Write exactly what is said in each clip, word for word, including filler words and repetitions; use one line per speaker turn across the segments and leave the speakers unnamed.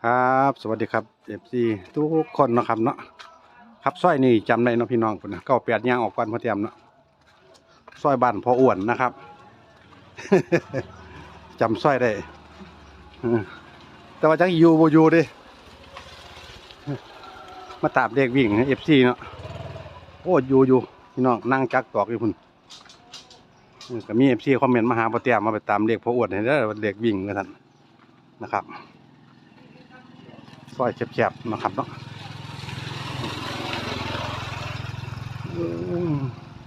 ครับสวัสดีครับเอฟซีทุกคนนะครับเนาะครับซอยนี่จำได้เนาะพี่น้องพุ่นนะเก้าแปดย่างออกก่อนพอเตรียมเนาะซอยบ้านพออ้วนนะครับ จำซอยได้อืมแต่ว่าจักอยู่บ่อยู่เดิมาตามเด็กวิ่งเอฟซีเนาะโอ้อยู่อยู่พี่น้องนั่งจักตอกอยู่พุ่นอืมก็มีเอฟซีคอมเมนต์มาหาพอเตรียมมาไปตามเด็กพออ้วนให้เด้อเด็กวิ่งกันท่านนะครับซอยแคบๆนะครับเนาะอืม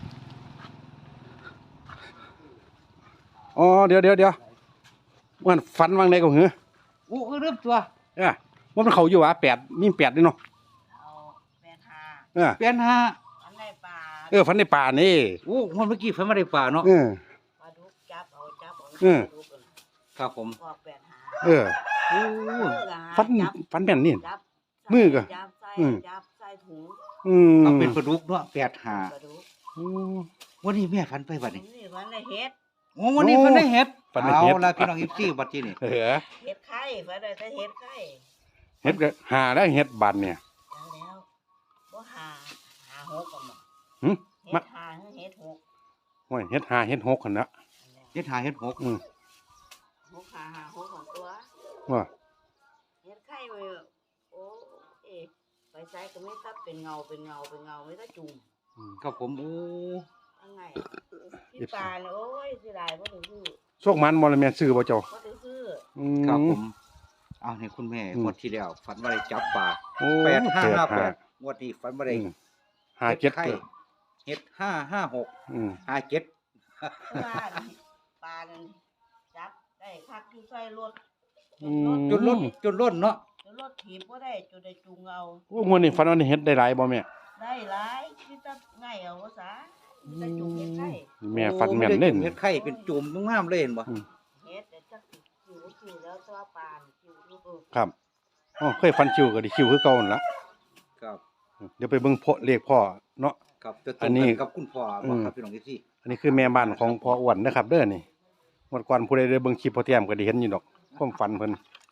อ๋อเดี๋ยวเดี๋ยวเดี๋ยวมันฟันวางในก็หือ
โอ้ก็เริ่มตัว
เออว่ามันเขาอยู่วะแปดมีแปดด้วยเนาะ
เอาแปดหา
เออ
เปลี่ยนฮะ
อันในป่า
เออฟันในป่านี่
โอ้มันเมื่อกี้ฝันมาได้ป่าเนาะ
เออ
ปลาดุกจับเอาจับเอา
เออ
ปลาดุกเอา
ครับผม
ออกแปดหา
เออ
โอ้
เออก็หา
ฟัน
จับ
ฟันแม่นนี่
จับ
มือก็
จับใส่
อืม
จับใส่ถุง
อืม
เอาเป็นปลาดุกเนาะแปดหา
ปลาดุก
อืม
วันนี้แม่ฝันไปบัดนี้
นี่มันได้เฮ็ด
โอ้วันนี้ฝันได้เห็ด
ฝันได้เห็ด
เอาละพี่น้องอีฟซี่บัดที่นี่
เออ
เฮ็ดไข่ฝันได้แต่เฮ็ดไข่
เฮ็ดก็หาได้เฮ็ดบันเนี่ย
จังแล้วบ่หาหาหกกันบ่
หึ
เฮ็
มา
ดหาหรือเฮ็ดหก
โอ้ยเฮ็ดหาเฮ็ดหกคั่นนะ
อันแล้ว
เห็ดหาเห็ดหก
อืม
หกหาหาหกของตัว
ว่า
เฮ็ดไข่ไว้โอ้เอ๊ะไปใส่ก็ไม่ตับเป็นเงาเป็นเงาเป็นเงาไม่ตับจุ่ม
อืม
ครับผมโอ้
ยังไงพี่ปานโอ้ยสิได้บ่ได้ซื้อ
โชคมันบ่ละแม่นซื้อบ่เจ้า
บ่ได้ซื้อ
อืม
ครับผมเอาให้คุณแม่
อืม
งวดที่แล้วฝันว่าได้จับปลา
โอ้
แปดห้าห้าแปด
แปด
งวดนี้ฝันว่าได้
อืมหาเจ็ด
ไข่เห็ดห้าห้าหก
อืม
ห้าเจ็ด
เพราะว่าปลานั่นจับได้คักอยู่ใส่รถ
อืม
จนล้นจนล้นเนาะ
จนรถถีบบ่ได้จนได้จูงเอา
โอ้มื้อนี้ฟันว่าได้เฮ็ดได้หลายบ่แม่
ได้หลายที่ตะง่ายเอาว่าซะมีแต่จูงเฮ็ดได้
แม่ฟันแม่นเล่น
เห็ดไข่เป็นจุ่มงามๆเลยเห็นบ่
อืม
เฮ็ดแต่จักสิคิวคิวแล้วตัวปลานี่คิวอยู่เออ
ครับอ๋อเคยฟันคิวก็ได้คิวคือเก่านั่นล่ะ
ครับ
เดี๋ยวไปเบิ่งพ่อเลขพ่อเนาะ
ครับจะต
อั
รง
นนี้
กันกับคุณพ่อ
อื
บ่
ม
ครับพี่น้องอีซี่
อันนี้คือแม่บ้านของพ่ออ้วนนะครับเด้อนี่เมื่อก่อนผู้ใดได้เบิ่งคลิปพ่อเตรียมก็ได้เห็นอยู่ดอกความฝันเพิ่น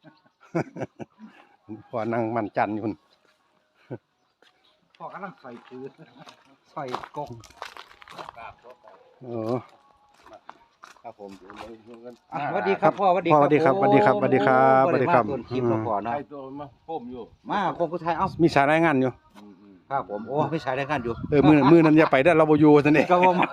พ่อนั่งมันจันทร์อยู่พุ่น
พ่อกำลังใส่คือใส่กก
เออ
ครับผมอ่ะสวัสดีครับพ่อสวัสดี
พ่อสวัสดีครับสวัสดีครับสวัสดีครับ
โอ้
สวัสดีครับ
ได้มาต้นคลิปแล้วพ่อเนาะ
ไอ้ตัวมาพ่มอยู่
มาคงผู้ไทยเอ้า
มีสายรายงานอยู่
อืมอืม
ครับผมโอ้ไม่ใช่ได้กันอยู่
เออมื้อมื้อนั้นอย่าไปเด้อเราบ่อยู่ซั่นนี่
ก็บ่มา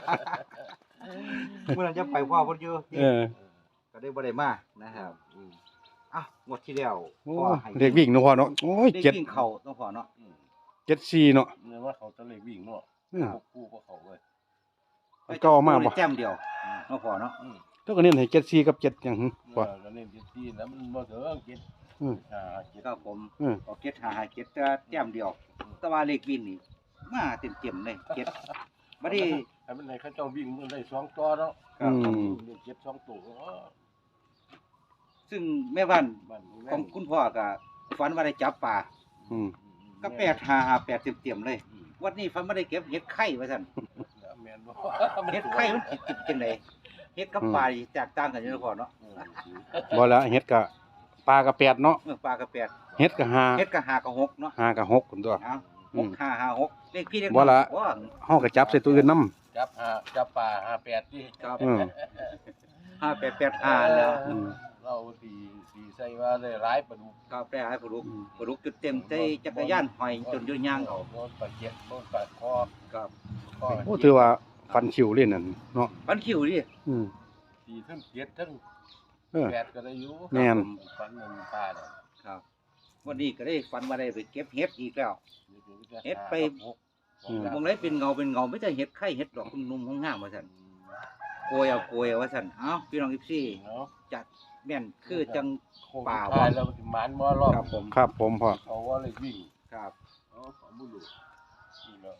เมื่อนั้นจะไปพ่อเพิ่นอยู่
เออ
ก็ได้บ่ได้มานะครับ
อืม
อ่ะงวดที่แล้ว
โอ้
พ่อให้
เด็กวิ่งเนาะพ่อเนาะโอ้ย
เด็ก
เจ็ด
วิ่งเข้าต้องพ่อเนาะ
อืม
เจ็ดสี่เนาะ
เนี่ยว่าเขาตะเลยวิ่งเนาะ
อืม
พวกกู้พวกเขาเว้ย
มันก็เอามาบ่
แต้มเดียวเนาะพ่อเนาะ
อืม
แล้วก็เน้นให้เจ็ดสี่กับเจ็ดหยังหึ
เอ
พ่อ
อก็เล่นเจ็ดที่แล้วมันบ่เถอะเจ็ด
อืม
อ่าเจ็ด
ครับผม
อืม
เอาเก็ดหาหาเก็ดแต่แต้มเดียว แต่ว่าเลขวิ่งนี่มาเต็มๆเลยเก็ดบัดนี้
ให้มันให้เขาเจ้าวิ่งมันได้สองตัวเนาะ
ครับ
อืม
เล่นเจ็ดสองตัวเออ
ซึ่งแม่บ้าน
บ้าน
ของคุณพ่อก็ฝันว่าได้จับปลา
อืม
ก็แปดหาหาแปดเต็มๆเลย
อืม
วันนี้ฝันว่าได้เก็บเห็ดไข่ว่าซั่น
แม่นบ่
เห็ดไข่มันจิตๆจังไดเห็ดกับปลานี่แตกต่างกันอยู่เนาะพ่อเนาะ
อืม
บ่แล้วเฮ็ดก็ปลาก็แปดเนาะ
เมื่อปลากับแปด
เฮ็ดก็ห้า
เห็ดกับหากับหกเนาะ
ห้าก็หกพุ่นตัว
เอา
อื
ห
ม
กห้าห้าหกเลขพี่เลข
บ่ละ
ว่า
เฮาก็จับใส่ตัวอื่นนำ
จับหาจับปลาหาแปดที่
ครับ
อืม
ห้าแปดแปดห้าแล้ว
อืม
เราตีตีใส่ว่าได้หลายปลาดุก
ครับได้ให้ปลาดุก
อืม
ปลาดุกจุดเต็มใจจักรยานหอยจนอยู่ย่าง
เอาโดนปลาเจ็ดโดนปลาคอ
ครับ
คอ
โอ้ถือว่าฟันคิวเล่นนั่นเนาะ
ปันคิวดิ
อืม
ตีทั้งเจ็ดทั้ง
เออ
แปดก็ได้อยู่
แม่น
ฟันมันปลาเนี่ย
ครับ วันนี้ก็ได้ฝันว่าได้ไปเก็บเห็ดอีกแล้ว เฮ็ดไป
อืม
มองไรเป็นเงาเป็นเงาไม่ใช่เห็ดไข่เห็ดดอกนุ่มๆของงามว่าซั่นโกยเอาโกยเอาว่าซั่นเอ้าพี่น้องอีซี่
เนาะ
จัดแม่นคือจัง ป่า
ป่าว
ะ
แล้วมันสิหมานบ่รอบ
ครับผม
ครับผมพ่อ
เขาว่าเลยวิ่ง
ครับ
เอาของบุรุษนี่เนาะ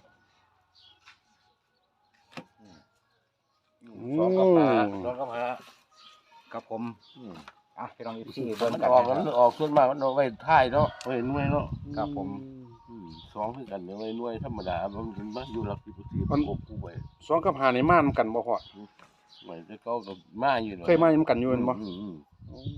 อืมอืมสองกับปลาสองกับหา
ครับผม
อืม
อ่ะพี่น้องอีซี่
มั
เบิ่ง
น
กัน
ออก
นะ
มัน
ครับ
ออกส่วนมากมันออกไว้ท้ายเนาะไว้หน่วยเนาะ
ครับผม
อืมสองคือกันเนี่ยไว้หน่วยธรรมดามันถึงมาอยู่หลักสิบสี่
มัน
กบกูไว้
สองกับห้านี่มานำกันบ่พ่อ
ไว้แต่เก็กับมาอยู่เนาะ
เคยมานำกันอยู่แม่นบ่
อืมอืม
โอ้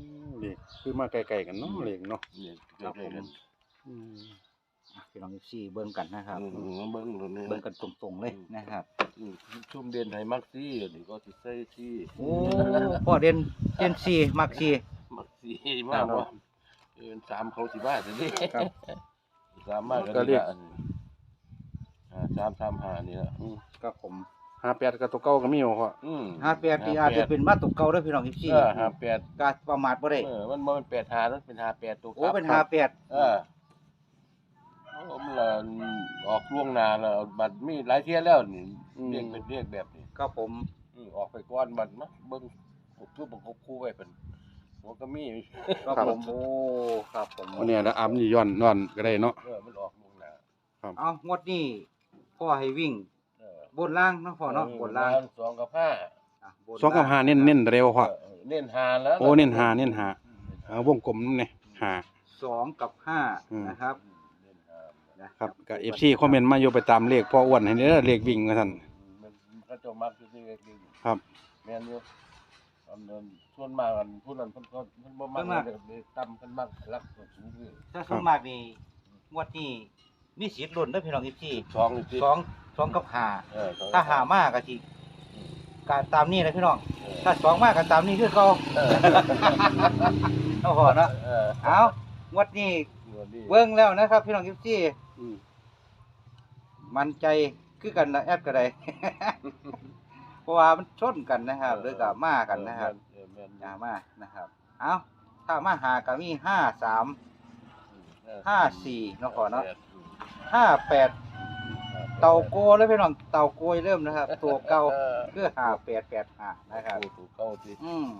นี่คือมาไกลๆกันเนาะเลขเนาะ
เนี่ย
ครับ
ใกล้
ผม
ๆกัน
อืม
อ่ะพี่น้องเอฟซีเบิ่งกันนะครับ
อืมเบิ่งตรงนี้
เบิ่งกันตรงๆเลยนะครับ
อืมชุ่มเด่นให้มักซี่นี่ก็สิใส่ที่
โอ้พ่อเด่นเด่นสี่มักสี่
มักซี่มากว่าเออสามเขาสิบ้าสินี่
ครับ
สามมาก
ก็
ก็
เรี
เรี
ย
ย
ก
กอ่าสามสามห้านี่ละ
อืม
ครับผม
ห้าแปดกับตัวเก่าก็มีบ่พ่อ
อืม
ห้าแปดที่อาจจะเป็นมาตกเก่าเด้อพี่น้องเอฟซี
เออห้าแปด
การประมาทบ่ได้
เออมันบ่เป็นแปดห้ามันเป็นห้าแปดตัว
โอ้เป็นห้าแปด
เออผมละออกล่วงหน้าแล้วบัดมีหลายเที่ยแล้วนี่เรียกเป็นเรียกแบบนี้
ครับผม
อืมออกไปก่อนบัดมาเบิ่งคือบ่ครบคู่ไว้เพิ่นหัวก็มี
ครับผมโอ้ครับผม
วันนี้แล้วอัพนี่ย้อนย้อนก็ได้เนาะ
เออมันออกล่วงหน้า
เอางวดนี้พ่อให้วิ่ง
เออบ
นล่างเนาะพ่อเนาะบนล่าง
สองกับห้า
อ่ะบน
สองกับห้าเน้นเน้นเร็วพ่อ
เออเน้นห้าแล้ว
โอ้เน้นห้าเน้นห้า เอาวงกลมนั่นนี่ห้า
สองกับห้า
อืม
นะครับ
เน้นห้า
นะครับ
ก็ เอฟ ซี คอมเมนต์มาอยู่ไปตามเลขพ่ออ้วนให้เด้อเลขวิ่งว่าซั่น
มันก็จะมักอยู่ที่เล็กดี
ครับ
แม่นอยู่อันนั้นส่วนมากอันผู้นั้นเพิ่นก็เพิ่นบ่มักเลยต่ำเพิ่นมักรักสูงคือ
ถ้าส่วนมากนี่งวดนี้มีสิทธิ์ลุ้นเด้อพี่น้องเอฟซี
สองนี่สิ
สองสองกับห้า
เออสอง
ถ้าหามากก็สิการตามนี้นะพี่น้อง
เออ
ถ้าสองมากก็ตามนี้คือเก่า
เออ
เอาพอเนาะ
เออ
เอางวดนี้
งวดนี้
เบิ่งแล้วนะครับ พี่น้องเอฟซี
อืม
มั่นใจคือกันละแอดก็ได้ เพราะว่ามันชนกันนะครับหรือกับมากันนะครับ
เออแม่น
อย่ามานะครับ เอาถ้ามาหาก็มีห้าสาม
เออ
ห้าสี่เนาะพอเนาะ
อืม
ห้าแปดเต่าโกแล้วพี่น้องเต่าโกยเริ่มนะครับ ตัวเก่าคือห้าแปดแปดห้านะครับ
โอ้ถูกเก้าสิ
อืม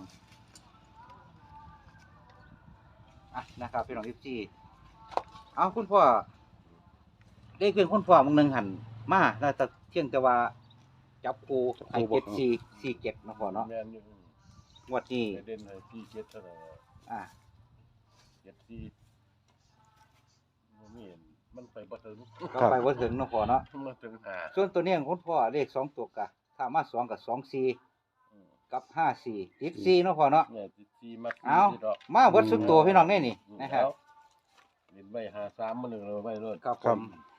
อ่ะนะครับพี่น้องเอฟซีเอาคุณพ่อได้เพียงคุณพ่อมึงหนึ่งหันมาแล้วแต่เที่ยงแต่ว่าจับคูไอเจ็ดสี่สี่เจ็ดนาะพ่อเนาะ
แม่นอยู่
งวดนี้
ไปเด่นให้สี่เจ็ดเท่านั้น
อ่ะ
เจ็ดสี่บ่มีมันไปบ่ถึง
ก็ไปว่าถึงเนาะพ่อเนาะ
มันถึงห้า
ส่วนตัวเนี้ยของคุณพ่อเลขสองตัวกะถ้ามาสองกับสองสี่
อืม
กับห้าสี่ติดสี่เนาะพ่อเนาะ
เนี่ยสี่มัก
เอา
สี่ดอก
มาเบิดสุดตัวพี่น้องนี่นี่นะครับ
เล่นไว้หาสามมาหนึ่งเราไว้รถ
ครับผม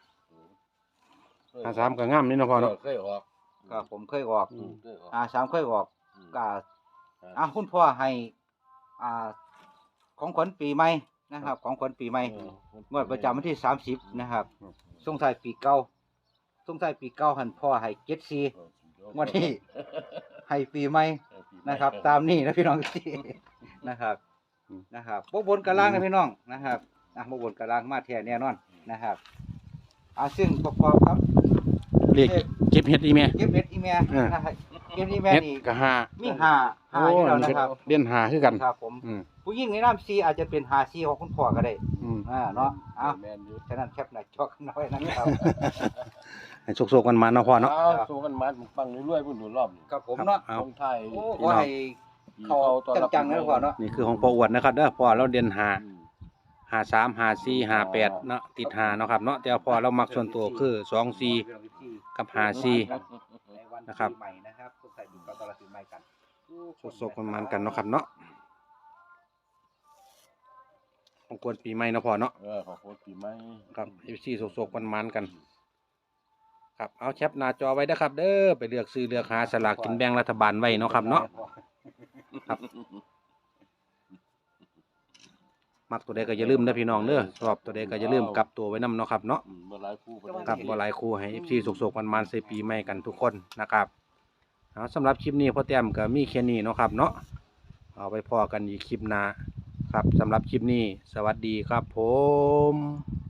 ห้าสามก็งามนี่เนาะพ่อเนาะ
เคยออก
ครับผมเคยออก
อืมเคยออก
อ่าสามเคยออก
อืม
ก็อ่ะคุณพ่อให้อ่าของขวัญปีใหม่นะครับ ของขวัญปีใหม่
เออง
วดประจำวันที่สามสิบนะครับส่งท้ายปีเก่าส่งท้ายปีเก่าหันพ่อให้เจ็ดสี่งวดนี้ให้ปีใหม่นะครับ ตามนี้นะพี่น้องที่นะครับนะครับบ่บนกระล่างนะพี่น้องนะครับอ่ะบ่บนกระล่างมาแท้แน่นอนนะครับอ่าซึ่งประกอบครับ
เลขเก็บเฮ็ดอีแม่
เก็บเฮ็ดอีแม่
เออ
นะครับเก็บอีแม่
เฮ็ด
นี่
ก็ห้า
มีห้าห้าอยู่แล้วนะครับ
เด่นห้าคือกัน
ครับผม
อืม
ผู้หญิงในน้ำซีอาจจะเป็นหาซีของคุณพ่อก็ได้
อืม
อ่าเนาะเอา
แมนอยู่
ฉะนั้นแคปหน้าจอกันน้อยนะครับ
ให้โชคๆกันมาเนาะพ่อเนาะ
เอาสู้กันมาปังเรื่อยๆพุ่นดูรอบนี่
ครับผมเนาะ
เอา
ตรงไทาย
โอ้ขอให้เขาจังๆนะพ่อเนาะ
นี่คือของพ่ออ้วนนะครับเด้อพ่อเราเด่นห้า
อืม
ห้าสามห้าสี่ห้าแปดเนาะติดห้าเนาะครับเนาะแต่ว่าพ่อเรามักส่วนตัวคือสองสี่กับห้าสี่
ในวัน
นะครับ
ปีใหม่นะครับทุกท่านอยู่กับตลาดปีใหม่กัน
โชคๆกันมากันเนาะครับเนาะของกวนปีใหม่เนาะพ่อเนาะ
เออขอโทษปีใหม่
ครับเอฟซีโศกๆมันๆกัน ครับเอาแคปหน้าจอไว้นะครับ เด้อไปเลือกซื้อเลือกหาสลากกินแบ่งรัฐบาลไว้เนาะครับเนาะครับมักตัวใดก็อย่าลืมนะพี่น้องเด้อชอบตัวใดก็อย่าลืมกลับตัวไว้นํเนาะครับเนาะ
อืมบ่หลายคู่บ่ได้
ครับบ่หลายคู่ให้เอฟซีโศกๆมันๆใส่ปีใหม่กันทุกคนนะครับเอาสำหรับคลิปนี้พ่อแต้มก็มีแค่นี้เนาะครับเนาะเอาไปพอกันอีกคลิปหน้าครับสำหรับคลิปนี้ สวัสดีครับผม